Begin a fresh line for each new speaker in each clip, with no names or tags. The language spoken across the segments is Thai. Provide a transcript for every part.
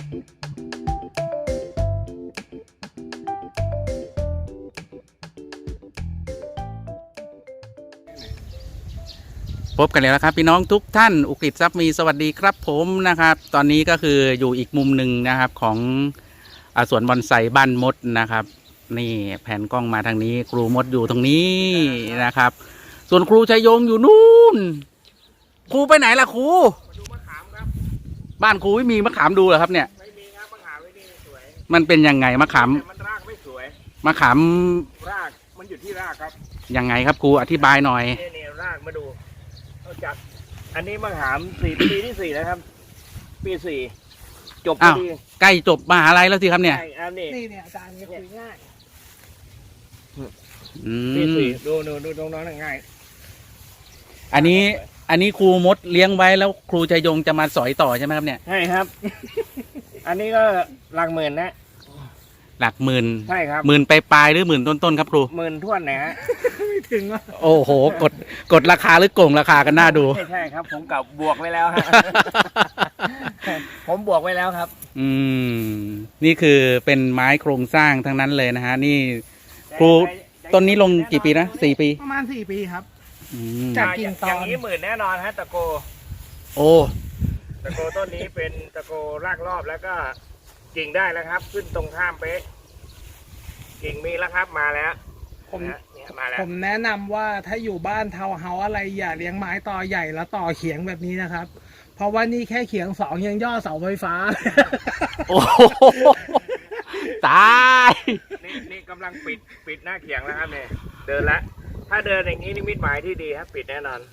พบกันแล้วครับพี่น้องทุกท่านอุกฤษทรัพย์มีสวัสดีครับผมนะครับตอนนี้ก็คืออยู่อีกมุมหนึ่งนะครับของสวนบอนไซบ้านมดนะครับนี่แผนกล้องมาทางนี้ครูมดอยู่ตรงนี้นะครับส่วนครูชัยยงอยู่นู่นครูไปไหนล่ะครู
ดูมะขามครับ
บ้านครูไม่มีมะขามดูเหรอครับเนี่ย
ไม่มีครับมะขามไม่ดีสวย
มันเป็นยังไงมะขาม
มันรากไม่สวย
มะขาม
รากมันอยู่ที่รากครับ
ยังไงครับครูอธิบายหน่อย
นี่รากมาดูจากอันนี้มะขามปีที่4แล้วครับปี4จบพอดี
ใกล้จบมหาลัยแล้วสิครับเนี่ย
นี่อาจารย์คุยง่าย
ปี
4ดูตรงนั้นง่าย
อันนี้ครูมดเลี้ยงไว้แล้วครูชัยยงจะมาสอยต่อใช่ไหมครับเนี่ย
ใช่ครับอันนี้ก็หลักหมื่นนะ
หลักหมื่น
ใช่ครับ
หมื่นปลายหรือหมื่นต้นๆครับครู
หมื่นท่วนนะฮะไม่ถึง
โอ้โหกดราคาหรือโกงราคากันน่าดู
ใช่ครับผมกับบวกไว้แล้วฮะผมบวกไว้แล้วครับ
นี่คือเป็นไม้โครงสร้างทั้งนั้นเลยนะฮะนี่ครูต้นนี้ลงกี่ปีนะ4 ปี
ประมาณ4 ปีครับ
จากกิ่งตอนอย่างนี้หมื่นแน่นอนฮะตะโก
โอ้
ตะโกต้นนี้เป็นตะโกรากรอบแล้วก็กิ่งได้แล้วครับขึ้นตรงข้ามเป๊ะกิ่งมีแล้วครับมาแล้ว
ผมแนะนำว่าถ้าอยู่บ้านทาวน์เฮาส์อะไรอย่าเลี้ยงไม้ต่อใหญ่แล้วต่อเขียงแบบนี้นะครับเพราะว่านี่แค่เขียง2ยังย่อเสาไฟฟ้า
โอ้ตาย
นี่กำลังปิดหน้าเขียงแล้วครับเนี่ยเดินละถ้าเดินอย่างนี้นิมิตหมายที่ดีครับปิดแน่นอน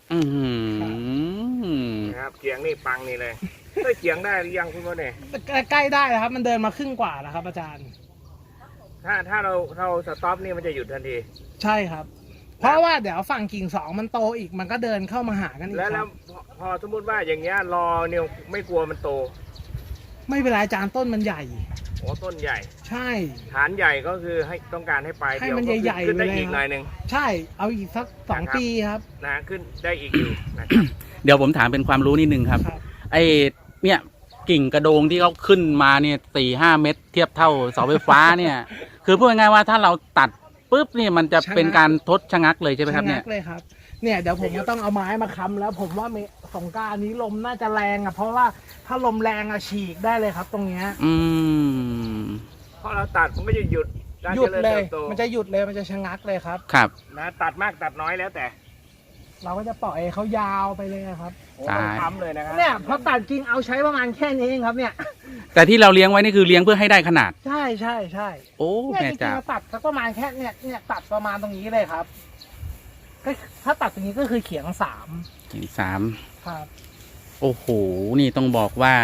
นะครับเขียงนี่ปังนี่เลยได้เขียงได้หรือยังคุณพ่อเนี่ย
ใกล้ได้แล้วครับมันเดินมาครึ่งกว่าแล้วครับอาจารย์
ถ้าเราสต็อปนี่มันจะหยุดทันที
ใช่ครับเพราะว่าเดี๋ยวฝั่งกิ่ง2มันโตอีกมันก็เดินเข้ามาหากันอีก
แล้วพอสมมติว่าอย่างเงี้ยรอเนี่ยไม่กลัวมันโต
ไม่เป็นไรอาจารย์ต้นมันใหญ่
โอ้ต้นใหญ่
ใช่
ฐานใหญ่ก็คือให้ต้องการให้ปลาย
ให้มันใหญ่ๆ
ขึ้นได้อีกหน่อยนึง
ใช่เอาอีกสัก2 ปีครับ
นะขึ้นได้อีกอยู่นะครับ
เดี๋ยวผมถามเป็นความรู้นิดนึงครับไอเนี่ยกิ่งกระโดงที่เขาขึ้นมาเนี่ย4-5 เมตรเทียบเท่าเสาไฟฟ้าเนี่ยคือพูดง่ายๆว่าถ้าเราตัดปุ๊บนี่มันจะเป็นการทดชะงักเลยใช่ไหมครับเนี่ย
เลยครับเนี่ยเดี๋ยวผมก็ต้องเอาไม้มาค้ำแล้วผมว่าสงกรานต์นี้ลมน่าจะแรงอ่ะเพราะว่าถ้าลมแรงอ่ะฉีกได้เลยครับตรงเนี้ย
เพราะเราตัดมันก็จะหยุด
เลยมันจะหยุดเลยมันจะชะงักเลยครับ
ครับ
นะตัดมากตัดน้อยแล้วแต่
เราก็จะปล่อยเขายาวไปเลยครับ
ทำเลยนะครับ
เนี่ยพอตัดจริงเอาใช้ประมาณแค่นี้เองครับเนี่ย
แต่ที่เราเลี้ยงไว้นี่คือเลี้ยงเพื่อให้ได้ขนาด
ใช่
โอ้
แม่จ๋าตัดสักประมาณแค่เนี่ยตัดประมาณตรงนี้เลยครับถ้าตัดตรงนี้ก็คือเขียง
3
ครับ
โอ้โหนี่ต้องบอกว่า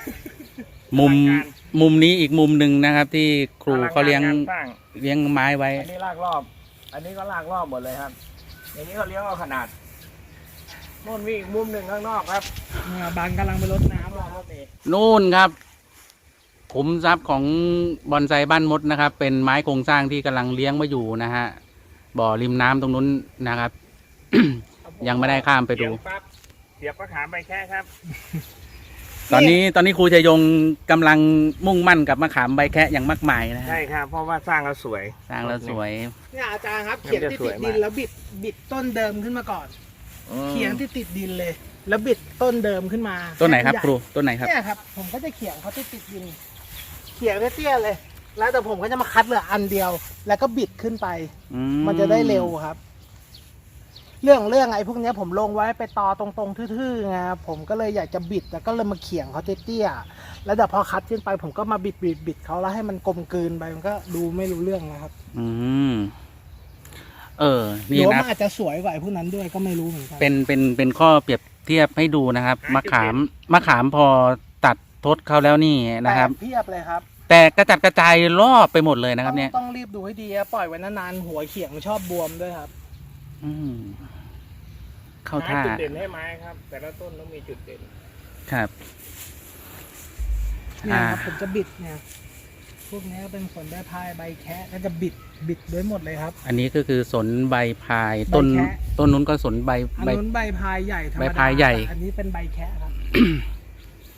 มุมนี้อีกมุมหนึ่งนะครับที่ครูเขาเลี้ยงไม้ไว้
อันนี้ลากรอบอันนี้ก็ลากรอบหมดเลยครับอย่างนี้เขาเลี้ยงเอาขนาดนู่นมีอีกมุมหนึ่งข้างนอกครับ
บางกำลังไปรดน้ำรอครับ
นู่นครับขุมทรัพย์ของบอนไซบ้านมดนะครับเป็นไม้โครงสร้างที่กำลังเลี้ยงมาอยู่นะฮะบ่อริมน้ำตรงนู้นนะครับ ยังไม่ได้ข้ามไปดู
เสียบก็ถามไปแค่ครับ
ตอนนี้ครูชัยยงกำลังมุ่งมั่นกับมะขามใบแคะอย่างมากมายนะ
ใช่ครับเพราะว่าสร้างแล้วสวย
เนี่ยอาจารย์ครับเขียงที่ติดดินแล้วบิดต้นเดิมขึ้นมาก่อนเขียงที่ติดดินเลยแล้วบิดต้นเดิมขึ้นมา
ต้นไหนครับครูต้นไหนครับ
เนี่ยครับผมก็จะเขียงเขาที่ติดดินเขียงเตี้ยเลยแล้วแต่ผมก็จะมาคัดเหลืออันเดียวแล้วก็บิดขึ้นไปมันจะได้เร็วครับเรื่องไอ้พวกนี้ผมลงไว้ไปตอตรงๆทื่อๆไงผมก็เลยอยากจะบิดแล้วก็เลยมาเขียงเขาเตี้ยๆแล้วเดี๋ยวพอคัดขึ้นไปผมก็มาบิดเขาแล้วให้มันกลมกลืนไปมันก็ดูไม่รู้เรื่องนะครับ
นี่นะ
มันอาจจะสวยกว่าพวกนั้นด้วยก็ไม่รู้เหมือนกัน
เป็นข้อเปรียบเทียบให้ดูนะครับมะขามพอตัดทดเขาแล้วนี่นะครับ
เทียบเลยครับ
แต่กระจัดกระจายรอบไปหมดเลยนะครับเนี่ย
ต้องรีบดูให้ดีปล่อยไว้นานๆหัวเขียงชอบบวมด้วยครับ
เข้าท่า
จุดเด่นให้ไม้ครับแต่ละต้นต้องมีจุดเด่น
ครับ
เนี่ยครับผมจะบิดเนี่ยพวกนี้เป็นสนใบพายใบแคะก็จะบิดด้วยหมดเลยครับ
อันนี้ก็คือสนใบพายต้นนู้นก็สนใบ
อันนู้นใบพายใหญ่ธรรมดา
ใบพายใหญ่
อันนี้เป็นใบแคะครับ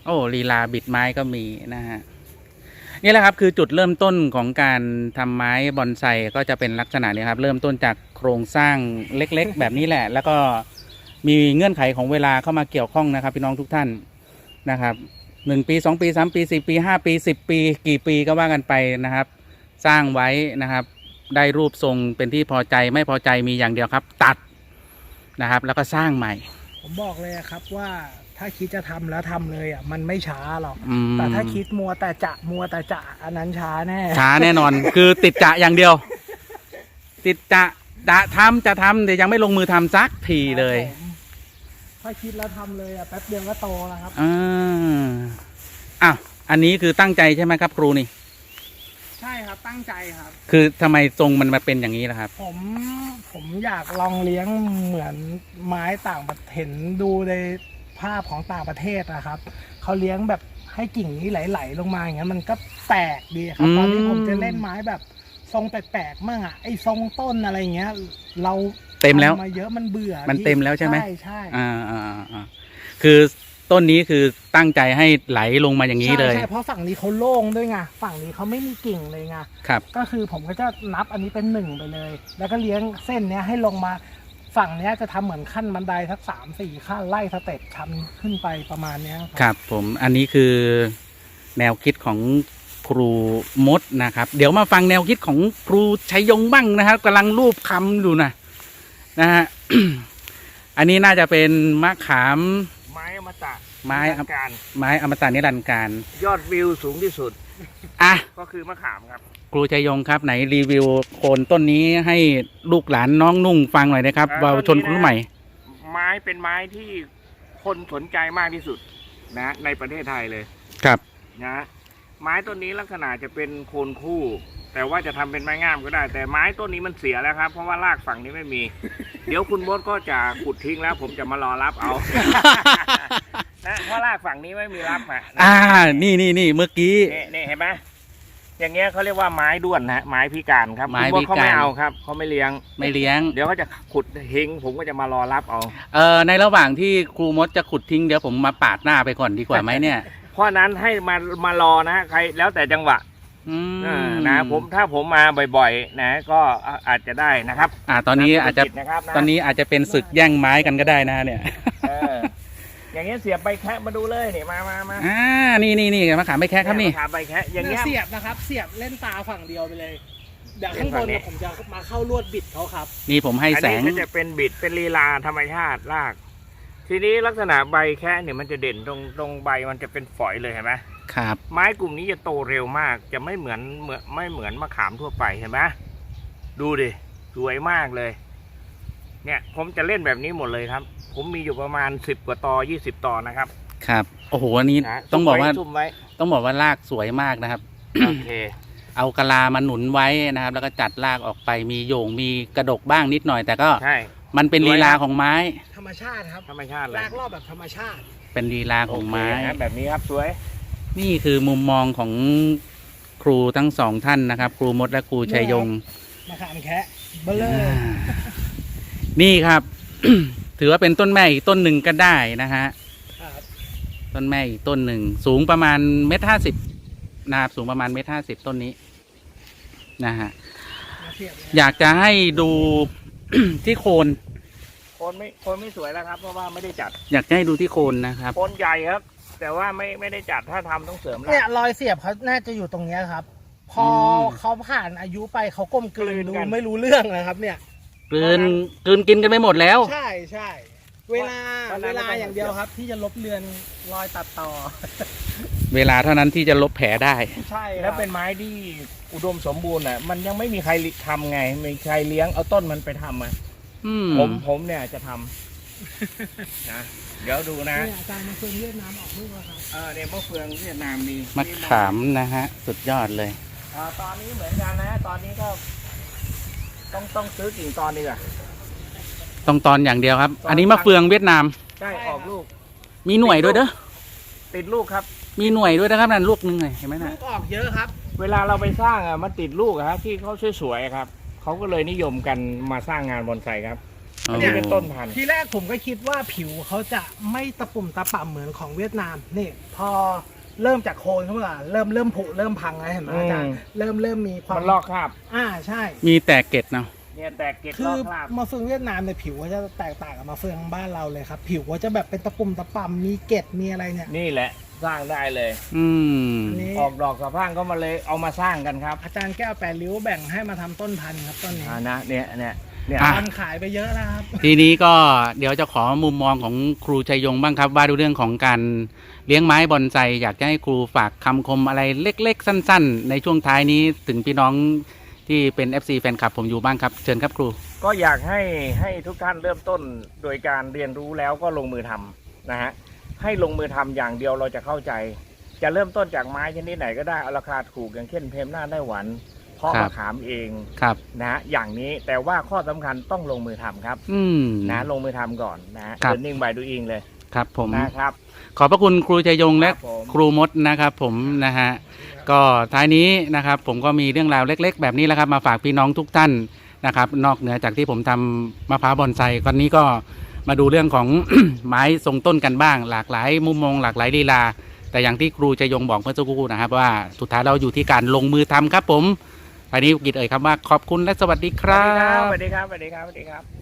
โอ้ลีลาบิดไม้ก็มีนะฮะนี่แหละครับคือจุดเริ่มต้นของการทำไม้บอนไซก็จะเป็นลักษณะนี้ครับเริ่มต้นจากโครงสร้างเล็กๆ แบบนี้แหละ แล้วก็มีเงื่อนไขของเวลาเข้ามาเกี่ยวข้องนะครับพี่น้องทุกท่านนะครับ1 ปี2 ปี3 ปี4 ปี5 ปี10 ปีกี่ปีก็ว่ากันไปนะครับ สร้างไว้นะครับได้รูปทรงเป็นที่พอใจไม่พอใจมีอย่างเดียวครับ ตัดนะครับแล้วก็สร้างใหม่
ผมบอกเลยครับว่าถ้าคิดจะทำแล้วทำเลยอ่ะมันไม่ช้าหรอก
อืม
แต่ถ้าคิดมัวแต่จะอันนั้นช้าแน่
ช้าแน่นอน คือติดจะอย่างเดียว ติดจะทำแต่ยังไม่ลงมือทำสักทีเลย
ครับผมถ้าคิดแล้วทำเลยอ่ะแป๊บเดียวก็โตแล้วครับ
อ้าวอันนี้คือตั้งใจใช่ไหมครับครูนี่
ใช่ครับตั้งใจครับ
คือทำไมทรงมันมาเป็นอย่างนี้ล่ะครับ
ผมอยากลองเลี้ยงเหมือนไม้ต่างประเทศเห็นดูในภาพของต่างประเทศนะครับเขาเลี้ยงแบบให้กิ่งนี้ไหลๆลงมาอย่างนั้นมันก็แปลกดีครับ ตอนนี้ผมจะเล่นไม้แบบทรงแปลกๆมั่งอ่ะไอ้ทรงต้นอะไรเงี้ย เรา
เต็มแล้ว
ทำมาเยอะมันเบื่อ
มันเต็มแล้วใช่ไหม
ใช่
คือต้นนี้คือตั้งใจให้ไหลลงมาอย่างนี้เลย
ใช่เพราะฝั่งนี้เขาโล่งด้วยไงฝั่งนี้เขาไม่มีกิ่งเลยไง
ครับ
ก็คือผมก็จะนับอันนี้เป็น1ไปเลย แล้วก็เลี้ยงเส้นเนี้ยให้ลงมาฝั่งเนี้ยจะทำเหมือนขั้นบันไดสัก3-4ขั้นไล่สเต็ปทำขึ้นไปประมาณเนี้ย
ครับผมอันนี้คือแนวคิดของครูมดนะครับ เดี๋ยวมาฟังแนวคิดของครูชัยยงบ้างนะครับกำลังรูปคำอยู่นะฮะ อันนี้น่าจะเป็นมะขาม
ไม้อมตะ
ไม้
ทางการ
ไม้อมตะนิรันดร์การ
ยอดวิวสูงที่สุด
อ่ะ
ก็คือมะขามครับ
ครูชัยยงครับไหนรีวิวโคนต้นนี้ให้ลูกหลานน้องนุ่งฟังหน่อยนะครับ
อ่า
เยาวชนคนรุ่นใหม่
ไม้เป็นไม้ที่คนสนใจมากที่สุดนะในประเทศไทยเลย
ครับ
นะไม้ต้นนี้ลักษณะจะเป็นโคนคู่ แต่ว่าจะทำเป็นไม้งามก็ได้ แต่ไม้ต้นนี้มันเสียแล้วครับ เพราะว่ารากฝั่งนี้ไม่มี เดี๋ยวคุณมดก็จะขุดทิ้งแล้ว ผมจะมารอรับเอา นะเพราะรากฝั่งนี้ไม่มีรับอ่ะนะ
นี่เมื่อกี้
นี่เห็นไหมอย่างเงี้ยเขาเรียกว่าไม้ด้วนนะไม้พิการครับ
ไม้
คุณมดเขา
พิการ
ไม่เอาครับเขาไม่เลี้ยง
ไม่เลี้ยง
เดี๋ยวเขาจะขุดเฮงผมก็จะมารอรับเอา
ในระหว่างที่ครูมดจะขุดทิ้งเดี๋ยวผมมาปาดหน้าไปก่อนดีกว่าไหมเนี่ย
เพราะนั้นให้มารอนะใครแล้วแต่จังหวะ
อืม
นะถ้าผมมาบ่อยๆ นะก็อาจจะได้นะครับ
ตอนนี้อาจจะ
ธุรกินะครับะ
ตอนนี้อาจจะเป็นศึกแย่งไม้กันก็ได้นะเนี่ย
เอออย่างเงี้ยเสียบใบแคะมาดูเลยนี่มา
นี่มะขามไม่แค่ครับนี่
ถามใบแคะอย่างเงี้ย
เสียบนะครับ เสียบเล่นตาฝั่งเดียวไปเลย เดี๋ยวข้างบนเนี่ยผมจะมาเข้าลวดบิดเขาครับ
นี่ผมให้
อัน
แส
นี้
ง
ก็จะเป็นบิดเป็นลีลาธรรมชาติราก ทีนี้ลักษณะใบแคะเนี่ยมันจะเด่นตรงใบมันจะเป็นฝอยเลยเห็นไหม
ครับ
ไม้กลุ่มนี้จะโตเร็วมาก จะไม่เหมือนมะขามทั่วไปเห็นไหมดูดิสวยมากเลย เนี่ยผมจะเล่นแบบนี้หมดเลยครับ ผมมีอยู่ประมาณ10 กว่าตอ20 ตอนะครับ
ครับโอ้โหอันนี้
นะ
ต้องบอกว่า
ซุ่มไว้
ต้องบอกว่ารากสวยมากนะครับ
โอเค
เอากะลามาหนุนไว้นะครับ แล้วก็จัดรากออกไปมีโยงมีกระดกบ้างนิดหน่อย แต่ก็
ใช่
มันเป็นลีลาของไม้
ธรรมชาติครับ
ธรรมชาติเลย
ลากรอบแบบธรรมชาติ
เป็นลีลาของไม้
โเคนะแบบนี้ครับสวย
นี่คือมุมมองของครูทั้งสองท่านนะครับ ครูมดและครูชัยยง
มะขามแคะเบลเลอร์
นี่ครับ ถือว่าเป็นต้นแม่อีกต้นหนึ่งก็ได้นะฮะ
ครับ
ต้นแม่อีกต้นหนึ่งสูงประมาณ1.50 mนะครับสูงประมาณ1.50 mต้นนี้นะฮะ
มาเสียบเลย
อยากจะให้ดู ที่โคน
คนไม่สวยแล้วครับ เพราะว่าไม่ได้จัด
อยากจะให้ดูที่โคนนะครับ
โคนใหญ่ครับ แต่ว่าไม่ได้จัดถ้าทำต้องเสริม
เนี่ย
ราก
รอยเสียบเขาน่าจะอยู่ตรงเนี้ยครับ พอเขาผ่านอายุไปเขาก้มกลืนดูไม่รู้เรื่องนะครับ เนี่ย
กลืนกินกันไปหมดแล้ว
ใช่เวลาอย่างเดียวครับ ที่จะลบเลือนรอยตัดต่อ
เวลาเท่านั้นที่จะลบแผลได้
ใช่
แล้วเป็นไม้ที่อุดมสมบูรณ์อ่ะมันยังไม่มีใครทำไงไม่มีใครเลี้ยงเอาต้นมันไปทำอ่ะ
อืม
ผมเนี่ยจะทำ นะเดี๋ยวดูนะ
เนี่ยอาจารย์มาเฟืองเวียดนามออกลูกแล้วครับ
เนี่ยมะเฟืองเวียดนามมี
มะขามนะฮะ สุดยอดเลย
ตอนนี้เหมือนกันนะ ตอนนี้ก็ต้องซื้อกิ่งตอนดีกว่า
ต้องตอนอย่างเดียวครับ อันนี้มะเฟืองเวียดนาม
ใช่ออกลูก
มีหน่วยด้วยเด้อ
ติดลูกครับ
มีหน่วยด้วยนะครับนั่นลูกหนึงเลยเห็นไหม
ลู
นะ
กออกเยอะครับ
เวลาเราไปสร้างอ่ะมันติดลูกอะครับที่เขาสวยๆครับเขาก็เลยนิยมกันมาสร้างงานบอนไซครับอันนี้เป็นต้นพันธุ์
ทีแรกผมก็คิดว่าผิวเขาจะไม่ตะปุ่มตะป่ำเหมือนของเวียดนามนี่พอเริ่มจากโคนเขาว่าเริ่มผุเริ่มพังแล้วเห็นไหมอาจารย์เริ่มมีความ
มันลอกคราบ
ใช่
มีแต่เกล็ดเนาะ
เนี่ยแตกเกล็ด
คื
ล
อ
อกคราบ
มาเฟืองเวียดนามเนี่ยผิวเขาจะแตกต่างกับมาเฟืองบ้านเราเลยครับ ผิวเขาจะแบบเป็นตะปุ่มตะป่ำมีเกล็ดมีอะไรเนี่ย
นี่แหละสร้างได้เลย
อืม
อันนี้
ออกดอกสะพรั่งก็มาเลยเอามาสร้างกันครับ
อาจารย์แก้วแปดริ้วแบ่งให้มาทำต้นพันธุ์ครับต้นนี้
นะเนี่ย
อ่ะ
พันขายไปเยอะแล้วครับ
ทีนี้ก็เดี๋ยวจะขอมุมมองของครูชัยยงบ้างครับ ว่าดูเรื่องของการเลี้ยงไม้บอนไซอยากจะให้ครูฝากคำคมอะไรเล็กๆ สั้นๆ ในช่วงท้ายนี้ถึงพี่น้องที่เป็น FC แฟนคลับผมอยู่บ้างครับ เชิญครับครู
ก็อยากให้ทุกท่านเริ่มต้นโดยการเรียนรู้แล้วก็ลงมือทำนะฮะให้ลงมือทำอย่างเดียวเราจะเข้าใจ จะเริ่มต้นจากไม้ชนิดไหนก็ได้เอาราคาถูกอย่างเช่นเพมหน้าได้หวันเพาะ
ครับ
มะขามเอง
ครับ
นะฮะอย่างนี้แต่ว่าข้อสำคัญต้องลงมือทำครับ
อืม
นะลงมือทำก่อนนะฮะ
ครับ
learning by doing เลย
ครับผม
นะครับ
ขอบพระคุณครูชัยยงและ
ครับผม
ครูมดนะครับผมนะฮะก็ท้ายนี้นะครับผมก็มีเรื่องราวเล็ก ๆ แบบนี้แหละครับมาฝากพี่น้องทุกท่านนะครับนอกเหนือจากที่ผมทำมะพร้าวบอนไซวันนี้ก็มาดูเรื่องของ ไม้ทรงต้นกันบ้าง หลากหลายมุมมองหลากหลายลีลาแต่อย่างที่ครูชัยยงบอกเมื่อสักครู่นะครับว่าสุดท้ายเราอยู่ที่การลงมือทำครับผมท้ายนี้กิจเอ่ยคำว่าขอบคุณและสวัสดีค
ส
รั
วัสดีครับ
บ
สวัสดีครับสวัสดีครับสวัสดีครับ